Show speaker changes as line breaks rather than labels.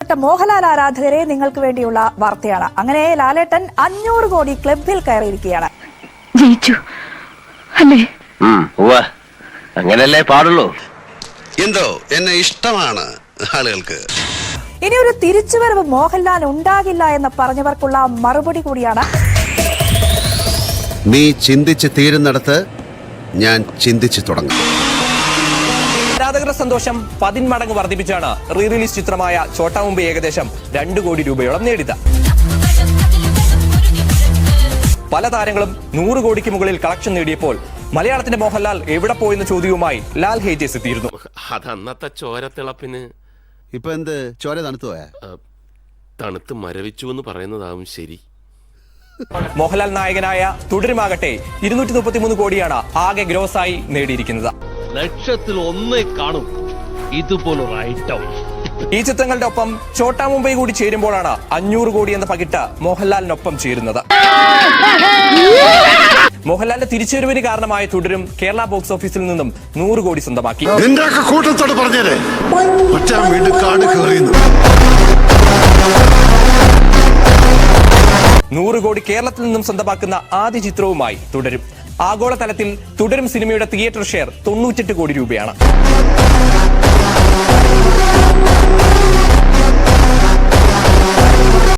പ്രിയപ്പെട്ട മോഹൻലാൽ ആരാധകരെ നിങ്ങൾക്ക് വേണ്ടിയുള്ള വാർത്തയാണ്. അങ്ങനെ ലാലേട്ടൻ 500 കോടി ക്ലബിൽ കയറിയിരിക്കുകയാണ്.
ജയിച്ചു അല്ലേ?
അങ്ങനല്ലേ പാടുള്ളൂ.
എന്തോ എന്നെ ഇഷ്ടമാണ് ആളുകൾക്ക്.
ഇനി ഒരു തിരിച്ചുവരവ് മോഹൻലാൽ ഉണ്ടാകില്ല എന്ന് പറഞ്ഞവർക്കുള്ള മറുപടി കൂടിയാണ്.
നീ ചിന്തിച്ച് തീരുന്നിടത്ത് ഞാൻ ചിന്തിച്ചു തുടങ്ങും.
ആരാധകരുടെ സന്തോഷം 10 മടങ്ങ് വർദ്ധിപ്പിച്ചാണ് റീ റിലീസ് ചിത്രമായ ഛോട്ടാ മുംബൈ ഏകദേശം 2 കോടി രൂപയോളം നേടിയത്. പല താരങ്ങളും 100 കോടിക്ക് മുകളിൽ കളക്ഷൻ നേടിയപ്പോൾ മലയാളത്തിന്റെ മോഹൻലാൽ എവിടെ പോയെന്ന ചോദ്യവുമായി ലാൽ ഹേജേഴ്സ് എത്തിയിരുന്നു.
അതന്നത്തെ ചോരത്തിളപ്പിന്
ഇപ്പൊ എന്ത് ചോര തണുത്തു പോയാ?
തണുത്ത് മരവിച്ചു എന്ന് പറയുന്നതാവും ശരി.
മോഹൻലാൽ നായകനായ തുടരുമാകട്ടെ 233 കോടിയാണ് ആകെ ഗ്രോസായി നേടിയിരിക്കുന്നത്.
ലക്ഷത്തിൽ ഒന്നേ കാണും ഇതുപോലൊരു ഐറ്റം.
ഈ ചിത്രങ്ങളുടെ ഒപ്പം ഛോട്ടാ മുംബൈ കൂടി ചേരുമ്പോഴാണ് 500 കോടി എന്ന പകിട്ട് മോഹൻലാലിനൊപ്പം ചേരുന്നത്. മോഹൻലാലിന്റെ തിരിച്ചുവരവിന് കാരണമായ തുടരും കേരള ബോക്സ് ഓഫീസിൽ നിന്നും 100 കോടി സ്വന്തമാക്കി.
കൂട്ടത്തോട് പറഞ്ഞേ
100 കോടി കേരളത്തിൽ നിന്നും സ്വന്തമാക്കുന്ന ആദ്യ ചിത്രവുമായി തുടരും. ആഗോളതലത്തിൽ തുടരും സിനിമയുടെ തിയേറ്റർ ഷെയർ 98 കോടി രൂപയാണ്.